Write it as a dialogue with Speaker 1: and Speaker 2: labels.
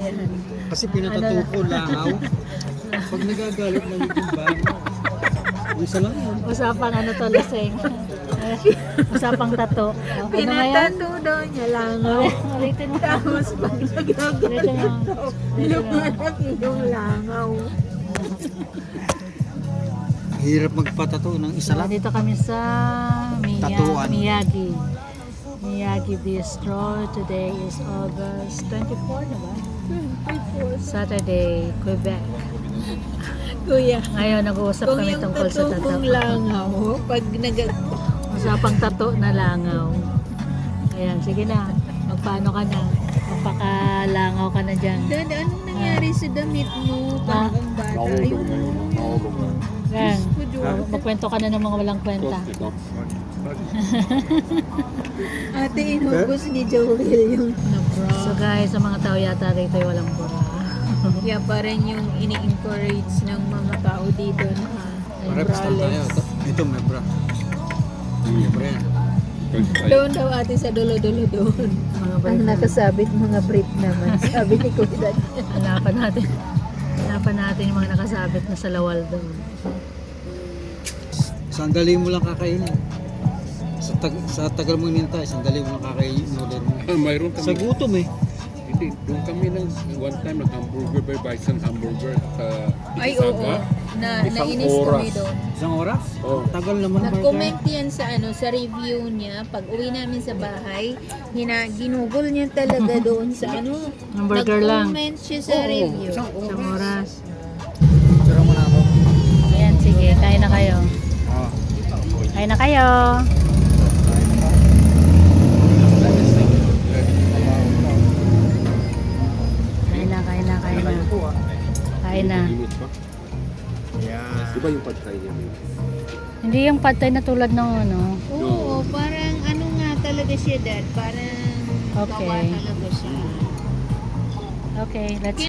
Speaker 1: yan.
Speaker 2: Kasi pinatato ko langaw. Pag nagagalit na yung bango. Isa lang yun.
Speaker 3: Usapang ano to, lasing. Usapang tato. Ano nga yan?
Speaker 1: Pinatato daw niya langaw.
Speaker 3: Ulitin mo.
Speaker 1: Tapos pag nagagalit
Speaker 3: Ulitin mo.
Speaker 1: lumalaki yung langaw.
Speaker 2: Hirap magpatato ng isa lang.
Speaker 3: Dito kami sa
Speaker 2: Tatuan.
Speaker 3: Miyagi. Miyagi Bistro. Today is August 24 na ba? Saturday, Quebec.
Speaker 1: Kuya,
Speaker 3: Ngayon nag-uusap
Speaker 1: kung
Speaker 3: kami
Speaker 1: yung
Speaker 3: tungkol sa
Speaker 1: tato
Speaker 3: tato.
Speaker 1: kong langaw, pag
Speaker 3: Usapang tato na langaw. Ayan, sige na. Magpaano ka na? Magpakalangaw ka na dyan.
Speaker 1: Dad, anong nangyari sa damit mo? Parang ang bata. Ayun,
Speaker 3: Yan.
Speaker 1: ko, Diyos.
Speaker 3: Magkwento ka na ng mga walang kwenta.
Speaker 1: Ate, inubos ni Joel yung
Speaker 3: So guys, sa mga tao yata rito ay walang bura.
Speaker 1: kaya parang yung ini-encourage ng mga tao dito na
Speaker 2: Reps lang tayo. Ito may bra. May bra yan.
Speaker 1: doon daw ate sa dulo-dulo doon.
Speaker 3: Mga
Speaker 1: Ang
Speaker 3: balik.
Speaker 1: nakasabit mga brief naman. Sabi ni Kuya.
Speaker 3: Hanapan natin. Hanapan natin yung mga nakasabit na sa lawal doon.
Speaker 2: Sandali mo lang kakainin. Sa tagal mo hinintay, sandali mo lang kakainin order mo.
Speaker 4: Mayroon
Speaker 2: Sa
Speaker 4: kami.
Speaker 2: gutom eh.
Speaker 4: Hindi, doon kami one time nag-hamburger by Bison Hamburger sa
Speaker 1: Ay, oo.
Speaker 4: Isaga.
Speaker 1: Nainis kami
Speaker 4: oras.
Speaker 1: doon.
Speaker 2: Isang oras?
Speaker 4: Oh.
Speaker 2: Tagal naman
Speaker 1: Nag-comment yan sa sa review niya. Pag uwi namin sa bahay, ginugol niya talaga doon sa
Speaker 3: Hamburger lang.
Speaker 1: Nag-comment siya sa review.
Speaker 3: Isang oras.
Speaker 2: Tira mo na ako.
Speaker 3: Ayan, sige. Kain na kayo.
Speaker 2: Oh.
Speaker 3: Kain na kayo. Kain na, kain na, kain na. Kain na.
Speaker 4: Init pa.
Speaker 2: Yeah.
Speaker 4: Di ba yung pad thai niya?
Speaker 3: Hindi yung pad thai na tulad ng ano.
Speaker 1: Oo, parang ano nga talaga siya, Dad. Parang
Speaker 3: Okay.
Speaker 1: gawa talaga siya.
Speaker 3: Okay, let's